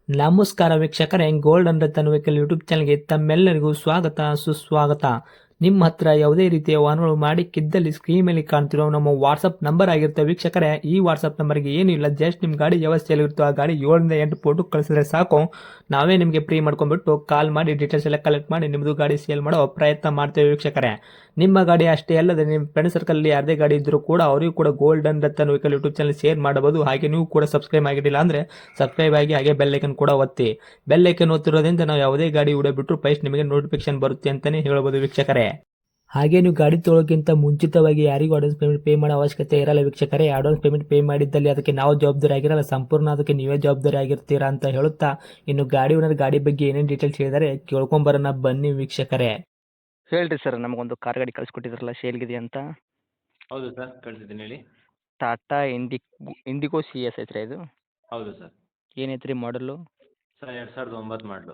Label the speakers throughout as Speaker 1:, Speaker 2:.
Speaker 1: ನಮಸ್ಕಾರ ವೀಕ್ಷಕರೇ, golden Ratan vehicle YouTube ಚಾನಲ್ಗೆ ತಮ್ಮೆಲ್ಲರಿಗೂ ಸ್ವಾಗತ ಸುಸ್ವಾಗತ. ನಿಮ್ಮ ಹತ್ರ ಯಾವುದೇ ರೀತಿಯ ವಾಹನಗಳು ಮಾಡಿಕ್ಕಿದ್ದಲ್ಲಿ ಸ್ಕ್ರೀನ್ ಮೇಲೆ ಕಾಣ್ತಿರೋ ನಮ್ಮ ವಾಟ್ಸಪ್ ನಂಬರ್ ಆಗಿರುತ್ತೆ ವೀಕ್ಷಕರೇ. ಈ ವಾಟ್ಸಪ್ ನಂಬರ್ಗೆ ಏನಿಲ್ಲ, ಜಸ್ಟ್ ನಿಮ್ಮ ಗಾಡಿ ವ್ಯವಸ್ಥೆಯಲ್ಲಿರುತ್ತೋ ಆ ಗಾಡಿ 7 ರಿಂದ 8 ಫೋಟೋ ಕಳಿಸಿದ್ರೆ ಸಾಕು, ನಾವೇ ನಿಮಗೆ ಫ್ರೀ ಮಾಡ್ಕೊಂಡ್ಬಿಟ್ಟು ಕಾಲ್ ಮಾಡಿ ಡೀಟೇಲ್ಸ್ ಎಲ್ಲ ಕಲೆಕ್ಟ್ ಮಾಡಿ ನಿಮ್ಮದು ಗಾಡಿ ಸೇಲ್ ಮಾಡೋ ಪ್ರಯತ್ನ ಮಾಡ್ತೇವೆ ವೀಕ್ಷಕರೇ. ನಿಮ್ಮ ಗಾಡಿ ಅಷ್ಟೇ ಅಲ್ಲದೆ ನಿಮ್ಮ ಫ್ರೆಂಡ್ ಸರ್ಕಲ್ ಯಾರದೇ ಗಾಡಿ ಇದ್ದರೂ ಕೂಡ ಅವರಿಗೂ ಕೂಡ golden Ratan vehicle YouTube channel share ಮಾಡಬಹುದು. ಹಾಗೆ ನೀವು ಕೂಡ ಸಬ್ಸ್ಕ್ರೈಬ್ ಆಗಿರಲಿಲ್ಲ ಅಂದರೆ ಸಬ್ಸ್ಕ್ರೈಬ್ ಆಗಿ ಹಾಗೆ ಬೆಲ್ ಐಕನ್ ಕೂಡ ಒತ್ತಿ. ಬೆಲ್ ಐಕನ್ ಒತ್ತಿರೋದ್ರಿಂದ ನಾವು ಯಾವುದೇ ಗಾಡಿ ವಿಡಿಯೋ ಬಿಟ್ಟರು ಫಸ್ಟ್ ನಿಮಗೆ ನೋಟಿಫಿಕೇಶನ್ ಬರುತ್ತೆ ಅಂತಲೇ ಹೇಳ್ಬೋದು ವೀಕ್ಷಕರೇ. ಹಾಗೆ ನೀವು ಗಾಡಿ ತೊಳೋಕ್ಕಿಂತ ಮುಂಚಿತವಾಗಿ ಯಾರಿಗೂ ಅಡ್ವಾನ್ಸ್ ಪೇಮೆಂಟ್ ಪೇ ಮಾಡೋ ಅವಶ್ಯಕತೆ ಇರಲ್ಲ ವೀಕ್ಷಕರೇ. ಅಡ್ವಾನ್ಸ್ ಪೇಮೆಂಟ್ ಪೇ ಮಾಡಿದ್ದಲ್ಲಿ ಅದಕ್ಕೆ ನಾವು ಜವಾಬ್ದಾರಿ ಆಗಿರಲ್ಲ, ಸಂಪೂರ್ಣ ಅದಕ್ಕೆ ನೀವೇ ಜವಾಬ್ದಾರಿ ಆಗಿರ್ತೀರಾ ಅಂತ ಹೇಳುತ್ತಾ, ಇನ್ನು ಗಾಡಿ ಓನರ್ ಗಾಡಿ ಬಗ್ಗೆ ಏನೇನು ಡೀಟೇಲ್ಸ್ ಹೇಳಿದರೆ ಕೇಳ್ಕೊಂಬರೋಣ ಬನ್ನಿ ವೀಕ್ಷಕರೇ.
Speaker 2: ಹೇಳ್ರಿ ಸರ್, ನಮಗೊಂದು ಕಾರ್ ಗಾಡಿ ಕಳಿಸ್ಕೊಟ್ಟಿದ್ರಲ್ಲ, ಸೇಲ್ಗಿದೆ ಅಂತ.
Speaker 3: ಹೌದು ಸರ್, ಕಳಿಸಿದ್ದೀನಿ ಹೇಳಿ.
Speaker 2: ಟಾಟಾ ಇಂಡಿಗೋ ಸಿ ಎಸ್ ಐತ್ರಿ ಇದು?
Speaker 3: ಹೌದು ಸರ್.
Speaker 2: ಏನೈತ್ರಿ ಮಾಡಲು?
Speaker 3: ಸರ್ 2009 ಮಾಡಲು.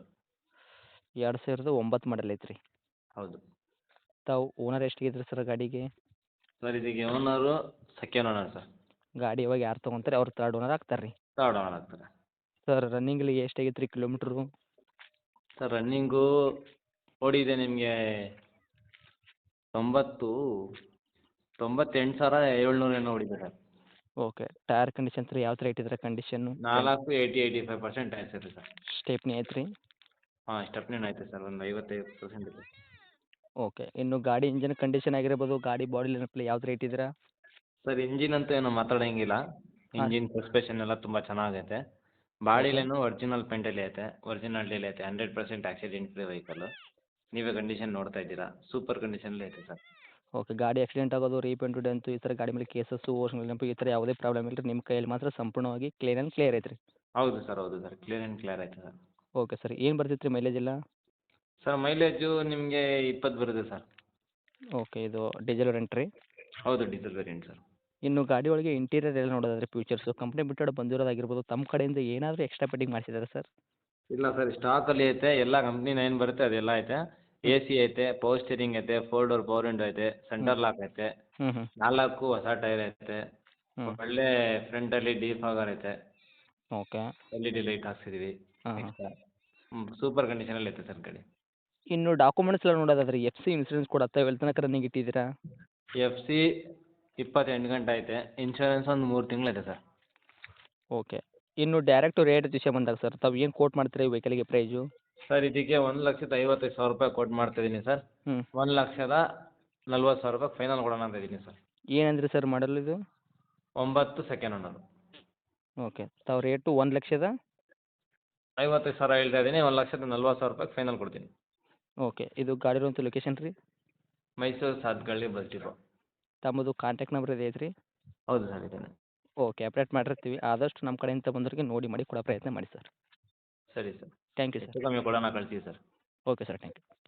Speaker 2: 2009 ಮಾಡಲ್ ಐತ್ರಿ.
Speaker 3: ಹೌದು
Speaker 2: ತಾವು ಓನರ್ ಎಷ್ಟಿಗಿದ್ರಿ ಸರ್ ಗಾಡಿಗೆ?
Speaker 3: ಸರ್, ಇದಕ್ಕೆ ಓನರು ಸೆಕೆಂಡ್ ಓನರ್ ಸರ್.
Speaker 2: ಗಾಡಿ ಇವಾಗ ಯಾರು ತೊಗೊಂತಾರೆ ಅವ್ರು ತರ್ಡ್ ಓನರ್ ಆಗ್ತಾರೆ ರೀ.
Speaker 3: ತರ್ಡ್ ಓನರ್ ಆಗ್ತಾರೆ.
Speaker 2: ಸರ್ ರನ್ನಿಂಗಲ್ಲಿ ಎಷ್ಟಾಗೈತೆ ರೀ ಕಿಲೋಮೀಟ್ರು?
Speaker 3: ಸರ್ ರನ್ನಿಂಗು ಓಡಿದೆ ನಿಮಗೆ 98,700 ಏನೋ ಓಡಿದೆ ಸರ್.
Speaker 2: ಓಕೆ. ಟೈರ್ ಕಂಡೀಷನ್ ರೀ ಯಾವ ಥರ ಇಟ್ಟಿದ್ರೆ ಕಂಡೀಷನ್ನು?
Speaker 3: 85% ಆಯ್ತು ಸರ್.
Speaker 2: ಸ್ಟೆಪ್ನಿ ಐತ್ರಿ?
Speaker 3: ಹಾಂ, ಸ್ಟೆಪ್ನಿನೂ ಐತೆ ಸರ್, ಒಂದು 55% ಇದೆ.
Speaker 2: ಓಕೆ. ಇನ್ನು ಗಾಡಿ ಇಂಜಿನ್ ಕಂಡೀಷನ್ ಆಗಿರ್ಬೋದು, ಗಾಡಿ ಬಾಡಿ ಲೈನಪ್ಪಲ್ಲಿ ಯಾವ ಥರ ಇಟ್ಟಿದ್ದೀರಾ?
Speaker 3: ಸರ್ ಇಂಜಿನ್ ಅಂತೂ ಏನೋ ಮಾತಾಡೋಂಗಿಲ್ಲ. ಇಂಜಿನ್ ಸಸ್ಪೆಷನ್ ಎಲ್ಲ ತುಂಬ ಚೆನ್ನಾಗೈತೆ. ಬಾಡಿಲೇನು ಒರಿಜಿನಲ್ ಪೇಂಟಲ್ಲಿ ಐತೆ, ಒರಿಜಿನಾಲಿಟಿಯಲ್ಲಿ ಐತೆ. 100% ಆಕ್ಸಿಡೆಂಟ್ ಫ್ರೀ ವೆಹಿಕಲ್ಲು. ನೀವೇ ಕಂಡೀಷನ್ ನೋಡ್ತಾ ಇದ್ದೀರಾ, ಸೂಪರ್ ಕಂಡೀಷನಲ್ಲಿ ಐತೆ ಸರ್.
Speaker 2: ಓಕೆ. ಗಾಡಿ ಆಕ್ಸಿಡೆಂಟ್ ಆಗೋದು, ರೀಪೇಂಟು, ಡೆಂತು ಈ ಥರ ಗಾಡಿ ಮೇಲೆ ಕೇಸಸ್ಸು, ಓರ್ಜಿನಲ್ ನೆನಪು ಈ ಥರ ಯಾವುದೇ ಪ್ರಾಬ್ಲಮ್ ಇಲ್ಲ ರೀ. ನಿಮ್ಮ ಕೈಯಲ್ಲಿ ಮಾತ್ರ ಸಂಪೂರ್ಣವಾಗಿ ಕ್ಲೀನ್ ಆ್ಯಂಡ್ ಕ್ಲಿಯರ್ ಐತ್ರಿ.
Speaker 3: ಹೌದು ಸರ್, ಹೌದು ಸರ್, ಕ್ಲಿಯರ್ ಆ್ಯಂಡ್ ಕ್ಲಿಯರ್ ಐತೆ ಸರ್.
Speaker 2: Okay sir. ಏನು ಬರ್ತೈತೆ ರೀ ಮೈಲೇಜ್ ಎಲ್ಲ?
Speaker 3: ಸರ್ ಮೈಲೇಜು ನಿಮಗೆ 20 ಬರುತ್ತೆ ಸರ್.
Speaker 2: ಓಕೆ. ಇದು ಡೀಸೆಲ್ ವೇರಿಯಂಟ್ ರೀ?
Speaker 3: ಹೌದು, ಡೀಸೆಲ್ ವೇರಿಯಂಟ್ ಸರ್.
Speaker 2: ಇನ್ನು ಗಾಡಿ ಒಳಗೆ ಇಂಟೀರಿಯರ್ ಎಲ್ಲ ನೋಡೋದಾದ್ರೆ ಫ್ಯೂಚರ್ಸು ಕಂಪ್ನಿ ಬಿಟ್ಟು ಬಂದಿರೋದಾಗಿರ್ಬೋದು, ತಮ್ಮ ಕಡೆಯಿಂದ ಏನಾದರೂ ಎಕ್ಸ್ಟ್ರಾ ಫಿಟ್ಟಿಂಗ್ ಮಾಡಿಸಿದ್ದಾರೆ ಸರ್?
Speaker 3: ಇಲ್ಲ ಸರ್, ಸ್ಟಾಕಲ್ಲಿ ಐತೆ. ಎಲ್ಲ ಕಂಪ್ನಿನ ಏನು ಬರುತ್ತೆ ಅದೆಲ್ಲ ಐತೆ. ಎ ಸಿ ಐತೆ, ಪವರ್ ಸ್ಟೀರಿಂಗ್ ಐತೆ, 4 ಡೋರ್ ಪವರ್ ವಿಂಡೋ ಐತೆ, ಸೆಂಟರ್ ಲಾಕ್ ಐತೆ,
Speaker 2: ಹ್ಞೂ ಹ್ಞೂ
Speaker 3: 4 ಹೊಸ ಟೈರ್ ಐತೆ,
Speaker 2: ಹ್ಞೂ
Speaker 3: ಒಳ್ಳೆ ಫ್ರಂಟಲ್ಲಿ ಡಿಫಾಗರ್ ಐತೆ,
Speaker 2: ಓಕೆ.
Speaker 3: LED ಲೈಟ್ ಹಾಕ್ಸಿದ್ದೀವಿ
Speaker 2: ಹಾಂ ಹಾಂ.
Speaker 3: ಎಕ್ಸ್ಟ್ರಾ. ಸೂಪರ್ ಕಂಡೀಷನಲ್ಲಿ ಐತೆ ಸರ್ ಗಾಡಿ.
Speaker 2: ಇನ್ನು ಡಾಕ್ಯುಮೆಂಟ್ಸ್ ಎಲ್ಲ ನೋಡೋದಾದ್ರೆ ಎಫ್ ಸಿ ಇನ್ಸೂರೆನ್ಸ್ ಕೂಡ ಎಲ್ಲಿ ತನಕ ರನ್ನಿಂಗ್ ಇಟ್ಟಿದ್ದೀರಾ?
Speaker 3: ಎಫ್ ಸಿ 28 ಗಂಟೆ ಐತೆ. ಇನ್ಶೂರೆನ್ಸ್ ಒಂದು 3 ತಿಂಗಳೈತೆ ಸರ್.
Speaker 2: ಓಕೆ. ಇನ್ನು ಡೈರೆಕ್ಟು ರೇಟ್ ವಿಷಯ ಬಂದಾಗ ಸರ್, ತಾವು ಏನು ಕೋಟ್ ಮಾಡ್ತೀರಾ ಈ ವೆಹಿಕಲ್ಗೆ ಪ್ರೈಸು?
Speaker 3: ಸರ್ ಇದಕ್ಕೆ 1,55,000 ಕೋಟ್ ಮಾಡ್ತಾಯಿದ್ದೀನಿ ಸರ್.
Speaker 2: ಹ್ಞೂ.
Speaker 3: 1,40,000 ಫೈನಲ್ ಕೊಡೋಣ ಅಂತ ಇದ್ದೀನಿ ಸರ್.
Speaker 2: ಏನಂದ್ರಿ ಸರ್ ಮಾಡಲ್ ಇದು?
Speaker 3: 9 ಸೆಕೆಂಡ್ ಓನರು.
Speaker 2: ಓಕೆ. ತಾವು ರೇಟು
Speaker 3: 1,55,000 ಹೇಳ್ತಾ ಇದ್ದೀನಿ. 1,40,000 ಫೈನಲ್ ಕೊಡ್ತೀನಿ.
Speaker 2: ಓಕೆ. ಇದು ಗಾಡಿ ಇರುವಂಥ ಲೊಕೇಶನ್ ರೀ?
Speaker 3: Mysuru Sathagalli bus depot.
Speaker 2: ತಮ್ಮದು ಕಾಂಟ್ಯಾಕ್ಟ್ ನಂಬರ್ ಇದೆ ಐತ್ರಿ?
Speaker 3: ಹೌದು ಸರ್, ಇದೇನೆ.
Speaker 2: ಓಕೆ. ಅಪ್ಡೇಟ್ ಮಾಡಿರ್ತೀವಿ. ಆದಷ್ಟು ನಮ್ಮ ಕಡೆಯಿಂದ ಬಂದವರಿಗೆ ನೋಡಿ ಮಾಡಿ ಕೊಡೋ ಪ್ರಯತ್ನ ಮಾಡಿ ಸರ್.
Speaker 3: ಸರಿ ಸರ್.
Speaker 2: Thank you sir.
Speaker 3: ಹೆಚ್ಚು ಕಮ್ಮಿ ಕೊಡೋಣ, ಕಳಿಸಿ sir.
Speaker 2: Okay sir, thank you.